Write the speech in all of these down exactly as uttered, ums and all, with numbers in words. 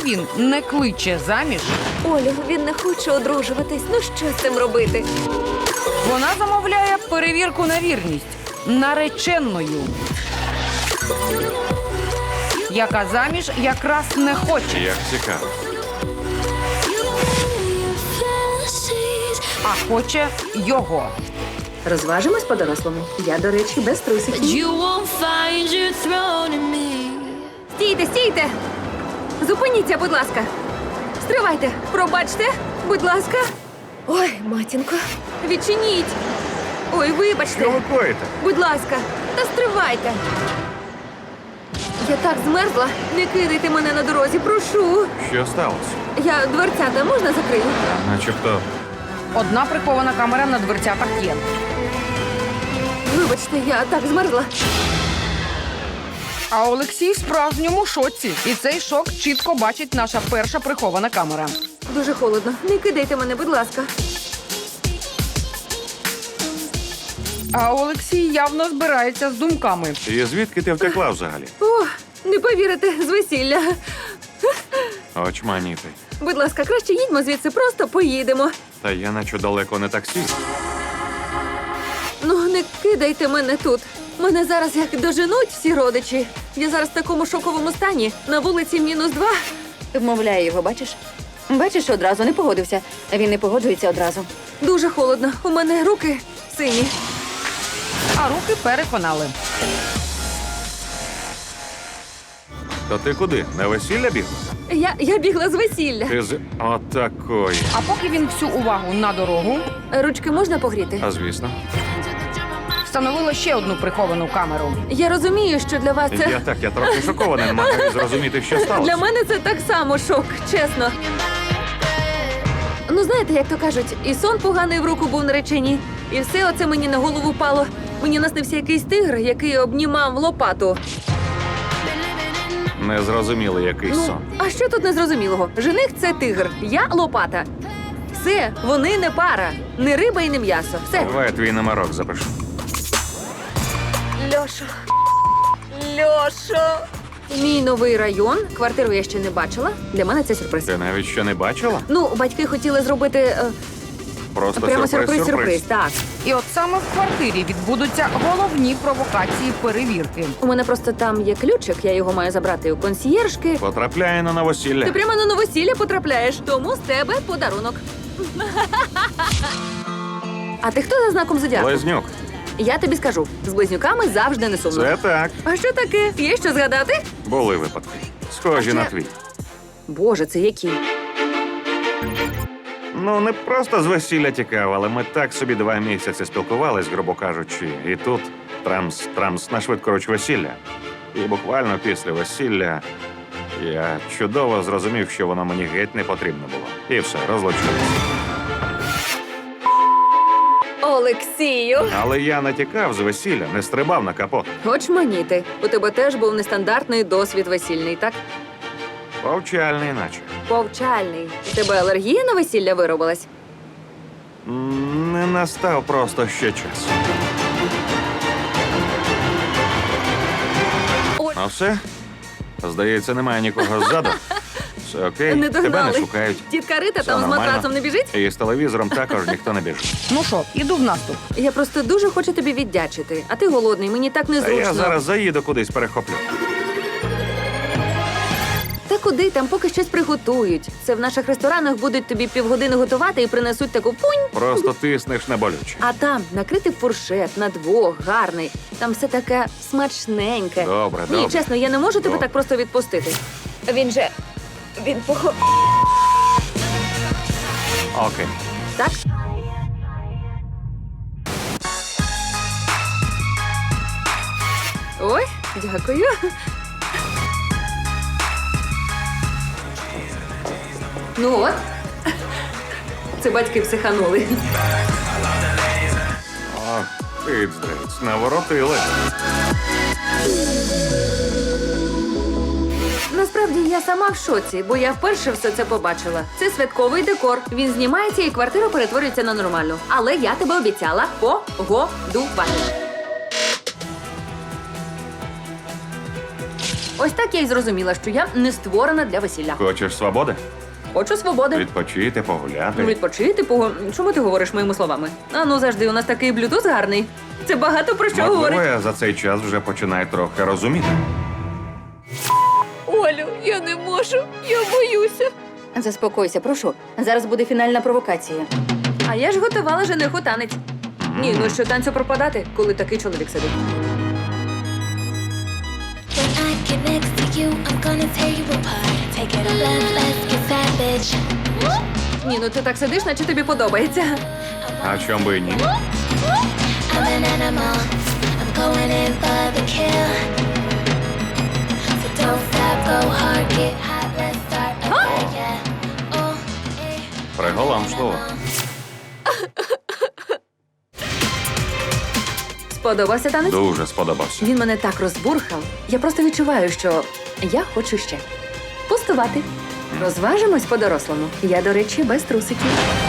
він не кличе заміж, Олю, він не хоче одружуватись. Ну що з цим робити? вона замовляє перевірку на вірність нареченою, яка заміж якраз не хоче, Як цікаво. а хоче його. Розважимось по-дорослому. Я, до речі, без трусиків. You won't find your throne in me. Стійте, стійте! Зупиніться, будь ласка. Стривайте, пробачте, будь ласка. Ой, матінко, відчиніть. Ой, вибачте. Що ви коїте? Будь ласка, та стривайте. Я так змерзла. Не кидайте мене на дорозі, прошу. Що сталося? Я дверцята можна закрию? Начебто. Одна прихована камера на дверцятах є. Вибачте, я так змерзла. А Олексій в справжньому шоці. І цей шок чітко бачить наша перша прихована камера. Дуже холодно. Не кидайте мене, будь ласка. А Олексій явно збирається з думками. І звідки ти втекла взагалі? О, не повірите, з весілля. Очманіти. Будь ласка, краще їдьмо звідси, просто поїдемо. Та я наче далеко не таксіст. Ну, не кидайте мене тут. Мене зараз як доженуть всі родичі. Я зараз в такому шоковому стані. На вулиці мінус два. Вмовляє його, бачиш? Бачиш, одразу не погодився. Він не погоджується одразу. Дуже холодно. У мене руки сині. А руки переконали. То ти куди? На весілля бігла? Я, я бігла з весілля. Ти з отакої. А поки він всю увагу на дорогу, Ручки можна погріти? А звісно. встановила ще одну приховану камеру. Я розумію, що для вас це... Я так, я трохи шокований, не можу зрозуміти, що сталося. Для мене це так само шок, чесно. Ну, знаєте, як то кажуть, і сон поганий в руку був нареченій, і все оце мені на голову пало. Мені наснився якийсь тигр, який обнімав лопату. Не зрозуміли якийсь Ну, сон. а що тут незрозумілого? Жених – це тигр, я – лопата. Все, вони не пара, не риба і не м'ясо. Все. Давай я твій номерок запишу. Льошо. Льошо. Мій новий район. Квартиру я ще не бачила. Для мене це сюрприз. Ти навіть ще не бачила? Ну, батьки хотіли зробити е, Просто прямо сюрприз, сюрприз-сюрприз. Так. І от саме в квартирі відбудуться головні провокації перевірки. У мене просто там є ключик, я його маю забрати у консьєржки. Потрапляє на новосілля. Ти прямо на новосілля потрапляєш, тому з тебе подарунок. А ти хто за знаком зодіаку? Близнюк. Я тобі скажу, з близнюками завжди не сумно. Це так. А що таке? Є що згадати? Були випадки. Схожі А на ще- твій. Боже, це які? Ну, не просто з весілля тікав, але ми так собі два місяці спілкувались, грубо кажучи. І тут трамс, трамс на швидкоруч весілля. І буквально після весілля я чудово зрозумів, що воно мені геть не потрібно було. І все, розлучилися. Олексію. Але я не тікав з весілля, не стрибав на капот. Хоч маніти. У тебе теж був нестандартний досвід весільний, так? Повчальний наче. Повчальний. У тебе алергія на весілля виробилась? М, Не настав просто ще час. Ой. Ну все? Здається, немає нікого ззаду. Все окей, Не тебе догнали. не шукають. Тітка Рита Все там з нормально. матрацом не біжить? І з телевізором також ніхто не біжить. Ну що, іду в наступ. Я просто дуже хочу тобі віддячити. А ти голодний, мені так Та незручно. я зараз заїду кудись, перехоплю. Та куди, там поки щось приготують. Це в наших ресторанах будуть тобі півгодини готувати і принесуть таку пунь. Просто тиснеш на болюче. А там накритий фуршет на двох, гарний. Там все таке смачненьке. Добре, Ні, добре. чесно, я не можу тебе Добре. так просто відпустити. Він же. Він похо. Окей. Так? Ой, дякую. Ну от. Це батьки психанули. О, пиздець, наворотили. Насправді я сама в шоці, бо я вперше все це побачила. Це святковий декор. Він знімається і квартира перетворюється на нормальну. Але я тебе обіцяла погодувати. Ось так я й зрозуміла, що я не створена для весілля. Хочеш свободи? Хочу свободи. Відпочити, погуляти. Відпочити, пого... Чому ти говориш моїми словами? А ну завжди, у нас такий блютуз гарний. Це багато про що Можливо, говорить. я за цей час вже починаю трохи розуміти. Олю, я не можу, я боюся. Заспокойся, прошу. Зараз буде фінальна провокація. А я ж готувала жениху танець. Ні, ну що танцю пропадати, коли такий чоловік сидить. When I get next to you, I'm gonna tear you apart. Take it all up, let's get savage. Ні, ну ти так сидиш, наче тобі подобається. А чом би і ні? I'm an animal. I'm going in for the kill. So don't stop, go hard, get hot, let's start a fire. Yeah. Oh, hey. Приголомшливо. Сподобався танець? Дуже сподобався. Він мене так розбурхав. Я просто відчуваю, що я хочу ще. Пустувати. Розважимось по-дорослому. Я, до речі, без трусиків.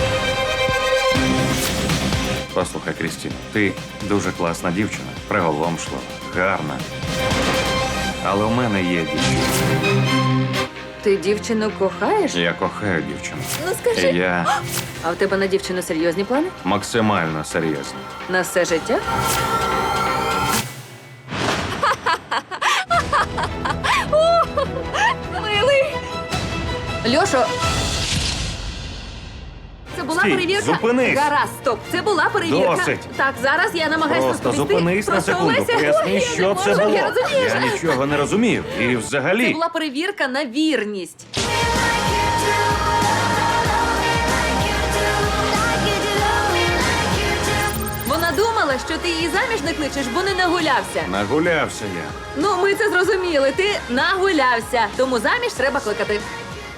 Послухай, Крістіно, ти дуже класна дівчина, приголомшлива, гарна. Але у мене є дівчина. Ти дівчину кохаєш? Я кохаю дівчину. Ну скажи. І я А в тебе на дівчину серйозні плани? максимально серйозний. На все життя? Милий! Льошо! Це була Стій, перевірка? зупинись! Гаразд, стоп. Це була перевірка. Досить. Так, зараз я намагаюся Просто розповісти. зупинись на Просто, секунду, Олеся, ой, поясни, я не що це можу, було. Я розумію. Я нічого не розумів. І Це взагалі, була перевірка на вірність. Вона думала, що ти її заміж не кличеш, бо не нагулявся. нагулявся я. Ну, ми це зрозуміли. Ти нагулявся. Тому заміж треба кликати.